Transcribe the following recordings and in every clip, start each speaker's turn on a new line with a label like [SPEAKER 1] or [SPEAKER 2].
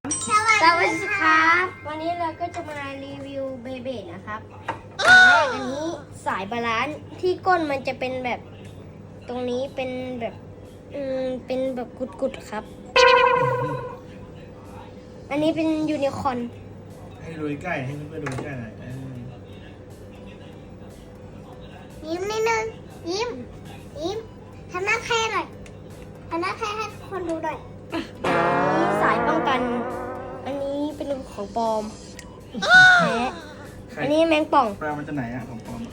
[SPEAKER 1] สวัสดีครับวันนี้เราก็จะมารีวิวเบเบ้นะครับอันนี้สายบาลานซ์ที่ก้นมันจะเป็นแบบตรงนี้เป็นแบบเป็นแบบกุดๆครับอันนี้เป็นยูนิคอร์น
[SPEAKER 2] ให้ดูใกล้ให้เพื่อนๆดูใกล้หน่อย
[SPEAKER 3] ยิ้มนิดนึงยิ้มทำหน้าแค่หน่อยทำหน้าแค่ให้คนดูหน่อย
[SPEAKER 1] นี่สายป้องกันอันนี้เป็นของปลอมแท้อันนี้แมงป่อง
[SPEAKER 2] ปลามันจะไหนอะของปลอม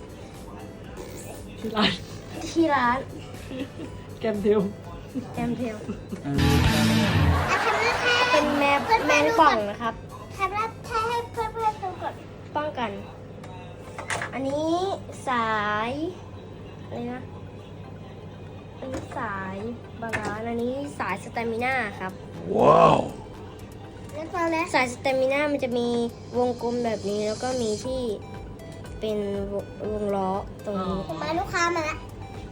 [SPEAKER 1] ที่ร้าน
[SPEAKER 4] แกมเทล
[SPEAKER 1] แกมเทล
[SPEAKER 3] ทำหน้าแค่
[SPEAKER 1] เป็นแมงป่องนะครับ
[SPEAKER 3] ทำหน้าแค่ให้เพื่อนๆดูก่อน
[SPEAKER 1] ป้องกันอันนี้สายอะไรนะอันนี้สายบาลานซ์อันนี้สายสเตมิน่าครับ
[SPEAKER 2] ว้าว
[SPEAKER 3] แล้วพอแล้ว
[SPEAKER 1] สายสเตมิน่ามันจะมีวงกลมแบบนี้แล้วก็มีที่เป็นวงล้อตรงนี้
[SPEAKER 3] มาลูกค้ามาแล้ว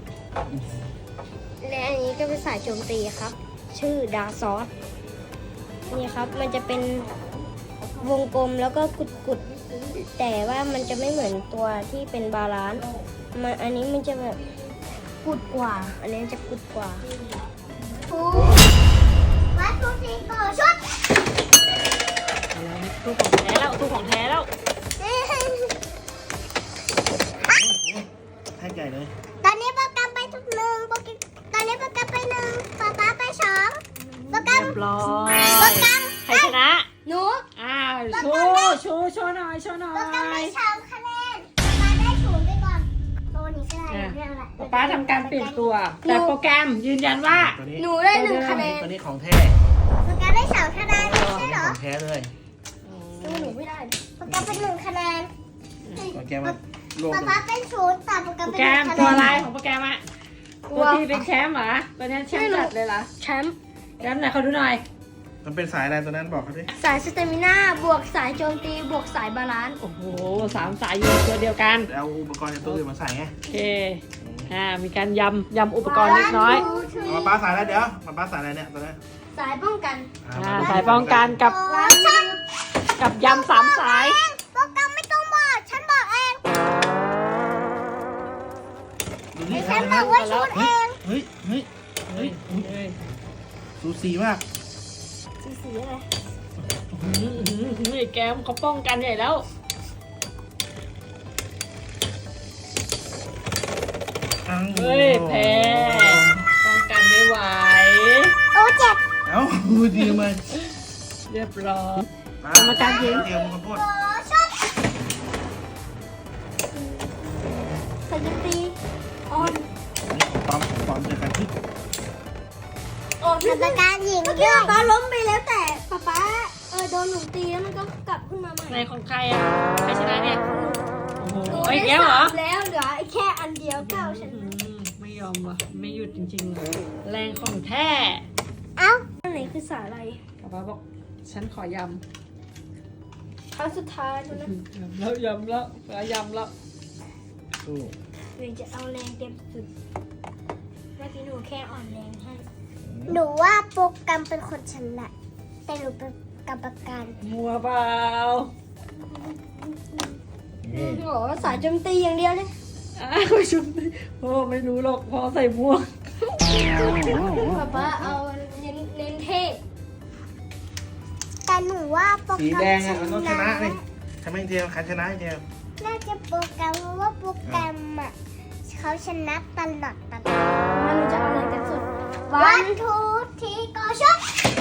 [SPEAKER 1] และอันนี้ก็เป็นสายโจมตีครับ ชื่อดาซอสนี่ครับมันจะเป็นวงกลมแล้วก็กุดๆแต่ว่ามันจะไม่เหมือนตัวที่เป็นบาลานซ์อันนี้มันจะแบบกุดกว่า อันนี้จะกุดกว่า
[SPEAKER 3] วัดทุกทีก่อนชุด
[SPEAKER 4] ตู้ของแท้แล้วตู้ของแท้แล้ว
[SPEAKER 2] ให้ใหญ่เลย
[SPEAKER 3] ตอนนี้โปรแกรมไปทุกหนึ่งตอนนี้โปรแกรมไปหนึ่งป๊าไปสองโปรแกรม
[SPEAKER 4] เรียบร้อ
[SPEAKER 3] โปร
[SPEAKER 4] ย
[SPEAKER 3] แกรม
[SPEAKER 4] ใครชนะ
[SPEAKER 1] หนู
[SPEAKER 4] อ้าวโชว์หน่อยโชว์หน่อ
[SPEAKER 3] โปรแกรมไป
[SPEAKER 4] ย
[SPEAKER 3] สองคะแนนป๊าได้ศูนย์ไปก่อนตัวนี้ก็ได้เรื่องอะไร
[SPEAKER 4] ป๊าทำการเปลี่ยนตัว แต่โปรแกรมยืนยันว่า
[SPEAKER 2] ตัวนี้
[SPEAKER 1] หนูได้1 คะแนน
[SPEAKER 2] ตัวนี้ของแท้
[SPEAKER 3] โปรแกรมได้สองคะแนนไม่
[SPEAKER 2] ตัว
[SPEAKER 3] ใช่
[SPEAKER 2] นี้
[SPEAKER 3] เหร
[SPEAKER 2] ข
[SPEAKER 3] อ
[SPEAKER 2] องแท้เลย
[SPEAKER 1] สู้หนูไม่ได้
[SPEAKER 3] โปรแกรมเป็นหนึ่งคะแนน
[SPEAKER 2] ตัวแกมารวม
[SPEAKER 3] ป๊าเป็นศูนย์แต่โปรแกร
[SPEAKER 4] โป
[SPEAKER 3] ม
[SPEAKER 4] ร
[SPEAKER 3] เป็น
[SPEAKER 4] แกร
[SPEAKER 3] ห
[SPEAKER 4] ม
[SPEAKER 3] นึ่งคะ
[SPEAKER 4] ตัวอะไร
[SPEAKER 3] แนน
[SPEAKER 4] ของโปรแกรมอะตัวที่เป็นแชมป์เหรอตัวนี้แชมป์จัดเลยเหรอ
[SPEAKER 1] แชมป์
[SPEAKER 4] แชมป์ไหนเขาดูหน่อย
[SPEAKER 2] มันเป็นสายอะไรตัวนั้นบอกเขาดิ
[SPEAKER 1] สายสเตมิน่าบวกสายโจมตีบวกสายบาลานซ์
[SPEAKER 4] โอ้โห3 สายอยู่ในตัวเดียวกัน
[SPEAKER 2] เอาอุปกรณ์ในตู้อื่นมาใส่ไง
[SPEAKER 4] โอเคมีการยำอุปกรณ์เล็กน้อย
[SPEAKER 2] เอามาป้าสายแล้วเดี๋ยวมาป้าสายอะไรเนี่ยตัวนี้
[SPEAKER 1] สายป้องกัน
[SPEAKER 4] สายป้องกันกับ
[SPEAKER 3] ฉัน
[SPEAKER 4] ยำ3 สาย
[SPEAKER 3] โปรแกรมไม่ต้องบอกฉันบอกเอง
[SPEAKER 2] ดูนี่
[SPEAKER 3] ฉันบอกว่าชุดเอง
[SPEAKER 2] เฮ้ยสูสีมาก
[SPEAKER 1] สีอะไร
[SPEAKER 4] นี่แกมเขาป้องกันใหญ่แล้ว เฮ้ยแพ้ป้องกันไม่ไหว
[SPEAKER 3] โอ้เจ็บ
[SPEAKER 2] เอ้าดีมา
[SPEAKER 4] เรียบร้อย
[SPEAKER 2] กรรมการยิงเดียวมันโคตร
[SPEAKER 3] โอ้ชุด
[SPEAKER 1] สายโจมตีออน
[SPEAKER 2] ปอมเจอกันที่
[SPEAKER 1] ออน
[SPEAKER 3] กรรมการหญิง
[SPEAKER 1] เมื่อ
[SPEAKER 3] ด้
[SPEAKER 1] กี้
[SPEAKER 3] วย
[SPEAKER 1] ป๊าล้มไปแล้วแต่ป๊าโดนหนูตีแล้วมันก็กลับขึ้นมาใหม่
[SPEAKER 4] ในของใครอ่ะ ใครชนะเนี่ย โอ้โห
[SPEAKER 1] หนู
[SPEAKER 4] ไอ้
[SPEAKER 1] ได้
[SPEAKER 4] แก้วเหรอ
[SPEAKER 1] 3แล้วเหลือแค่อันเดียวเก้าฉัน
[SPEAKER 4] ไม่ยอมว่ะ ไม่หยุดจริงๆ แรงของแท้
[SPEAKER 3] เอ้า
[SPEAKER 1] อันไหนคือสายอะไร
[SPEAKER 4] ป๊าบอก ฉันขอย
[SPEAKER 1] ครั้งสุดท้ายแล้วนะ
[SPEAKER 4] ำแล้วยำแล้วยำแล้ว
[SPEAKER 2] สู้
[SPEAKER 1] หนูจะเอาแรงเต็มสุดเมื่อกี้หนูแค่อ่อนแรงให้
[SPEAKER 3] หนูว่าโปรแกรมเป็นคนชนะแต่หนูเป็นกรรมการ
[SPEAKER 4] มัวเปล่า
[SPEAKER 1] โอ้โหสายโจมตีอย่างเดียวเลย
[SPEAKER 4] อ้าวชุดโอ้ไม่รู้หรอกพอใส่ม่วง
[SPEAKER 1] ป๊าเอาเน้นเท่
[SPEAKER 3] แต่หนูว่าโปร
[SPEAKER 2] สี
[SPEAKER 3] แกร
[SPEAKER 2] แด
[SPEAKER 3] ม
[SPEAKER 2] งอ่ะมันต้องชนะเลยทำไมเดียวใครชนะเดียว
[SPEAKER 3] น่าจะโปรแกรมเพราะว่าโปรแกรมอ่ะเขาชนะตลอด
[SPEAKER 1] มาหนูจะเอาแรงเต็มสุด
[SPEAKER 3] วันทูทีก็ชุด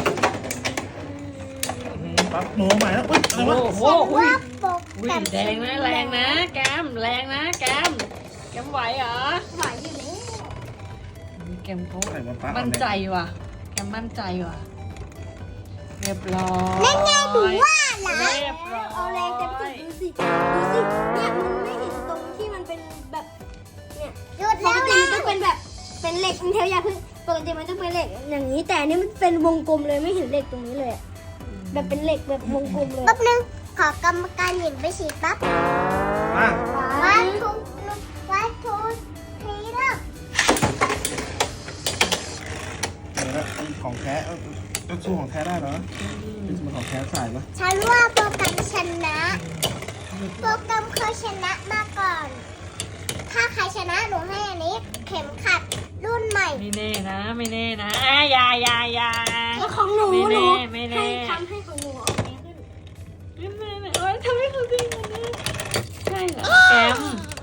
[SPEAKER 2] ปั๊บหนูใหม่แล้วอุ้ยอะไรวะ
[SPEAKER 4] โอ้โห
[SPEAKER 3] ฉันว่าโปร
[SPEAKER 4] อุ้
[SPEAKER 3] แก
[SPEAKER 4] ย
[SPEAKER 3] รม
[SPEAKER 4] แดงนะแรงนะแกมแรงนะแกมไหวเหรอ
[SPEAKER 1] ไหวอยู่นี่
[SPEAKER 4] แกมเขา
[SPEAKER 2] ใส่มาป้า
[SPEAKER 4] มั่นใจว่ะ แกมมั่นใจว่ะ เรียบร้อย
[SPEAKER 3] นั่นไงหนูว่านะ
[SPEAKER 4] เรียบร้อย
[SPEAKER 1] เอาแรงเต็มสุดดูสิเนี่ยมันไม่เห็นตรงที่มันเป็นแบบเนี่ย
[SPEAKER 3] หยุด
[SPEAKER 1] ป
[SPEAKER 3] แล้ว
[SPEAKER 1] กติ
[SPEAKER 3] นะ
[SPEAKER 1] มันต้องเป็นแบบเป็นเหล็กมันเทลยาพึ่งปกติมันต้องเป็นเหล็กอย่างนี้แต่อันนี่มันเป็นวงกลมเลยไม่เห็นเหล็กตรงนี้เลยอะแบบเป็นเหล็กแบบวงกลมเลย
[SPEAKER 3] แป๊บนึงขอกรรมการหญิงไปฉีดแป๊บ
[SPEAKER 2] มา
[SPEAKER 3] วันทูทีเริ่ม
[SPEAKER 2] เดี๋ยวนะของแท้ก็สู้ของแท้ได้เหรอเป็นสมของแท้สายปะ
[SPEAKER 3] ฉันว่าโปรแกรมชนะ โปรแกรมเคยชนะมาก่อน ถ้าใครชนะหนูให้อันนี้ เข็มขัดรุ่นใหม่
[SPEAKER 4] ไม่แน่นะ ไม่แน่นะอย่า
[SPEAKER 1] แล้วของหนู
[SPEAKER 4] ไม่
[SPEAKER 1] ห
[SPEAKER 4] แน่
[SPEAKER 1] นู
[SPEAKER 4] ไม่แน่
[SPEAKER 1] ให้ทำให้ของหนูออกแดงขึ้น
[SPEAKER 4] ไม่โอ๊ยทำให้เขาดีนะเนี่ยใช่เหรอแกม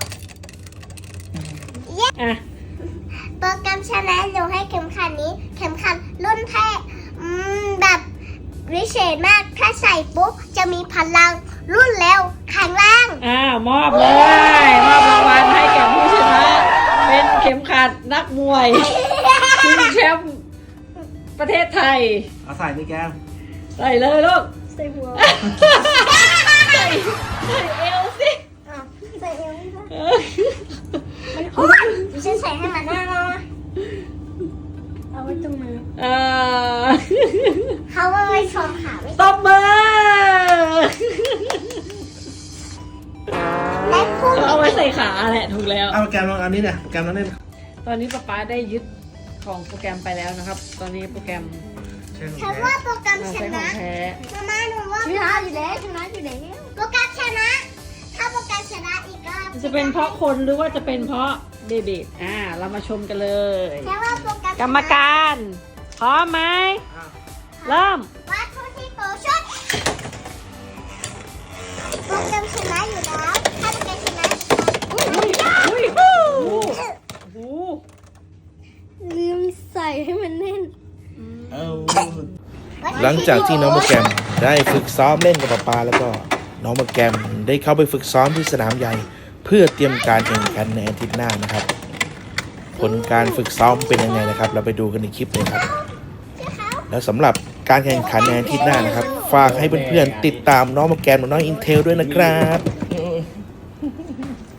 [SPEAKER 4] อ่ะ
[SPEAKER 3] โปรแกรมชนะหนูให้เข็มขัดนี้ เข็มขัดรุ่นแท้แบบวิเศษมาก ถ้าใส่ปุ๊บจะมีพลังรุ่นเร็วแข็งแรง
[SPEAKER 4] มอบเลยมอบรางวัลให้แก่ผู้ชนะ เป็นเข็มขัดนักมวยชิงแชมป์ประเทศไทย
[SPEAKER 2] เอาใส่นี่แก้ม
[SPEAKER 4] ใส่เลยลูก
[SPEAKER 1] ใส่หัว
[SPEAKER 4] ใส่เอวสิ
[SPEAKER 1] อ้าวใส่เอวไม่ได้
[SPEAKER 4] เออ
[SPEAKER 1] มันคุ้มดิฉันใส่ให้มันหน้ามาเอาไว้ตรงมือ
[SPEAKER 3] เขาว่าไม่ชมค่ะไม่
[SPEAKER 4] ตบมือ
[SPEAKER 3] และผู้
[SPEAKER 4] เอาไว้ใส่ขาแหละถูกแล้ว
[SPEAKER 2] เอาแกมลองอันนี้เนี่ยแกมลองเล่น
[SPEAKER 4] ตอนนี้ป๊าป๊าได้ยึดของโปรแกรมไปแล้วนะครับ ตอนนี้โปรแกรม
[SPEAKER 2] ใช่ของ
[SPEAKER 3] ฉัน
[SPEAKER 2] แท้
[SPEAKER 3] ว่าโปรแกรมช
[SPEAKER 4] ใช้ขอ
[SPEAKER 3] นะ
[SPEAKER 4] งแท้
[SPEAKER 3] มาหนูว่า
[SPEAKER 1] ชนะอยู่แล้วชนะอยู่แล้ว
[SPEAKER 3] โปรแกรมชนะ ถ้าโปรแกรมชนะอีกรอบ
[SPEAKER 4] จะเป็นเพราะคนหรือว่าจะเป็นเพราะเบบีเรามาชมกันเลย
[SPEAKER 3] แค่ว่าโปรแกรม
[SPEAKER 4] กรรมการพร้อมไหม
[SPEAKER 2] อ่ะ
[SPEAKER 4] เริ่ม
[SPEAKER 3] วัตถุที่โปรชุดโปรแกรมชนะอยู่แล้วถ้าโปรแกรมชนะ
[SPEAKER 4] อุ้ยโอ้โห
[SPEAKER 1] ลืมใส่ให้มันแน่น
[SPEAKER 2] เอา
[SPEAKER 5] หลังจากที่น้องโปรแกรมได้ฝึกซ้อมเล่นกับป๊าแล้วก็น้องโปรแกรมได้เข้าไปฝึกซ้อมที่สนามใหญ่ เพื่อเตรียมการแข่งขันในอาทิตย์หน้านะครับ ผลการฝึกซ้อมเป็นยังไงนะครับ เราไปดูกันในคลิปเลยครับ แล้วสำหรับการแข่งขันในอาทิตย์หน้านะครับ ฝากให้เพื่อนๆติดตามน้องโปรแกรมกับน้องอินเทลด้วยนะครับ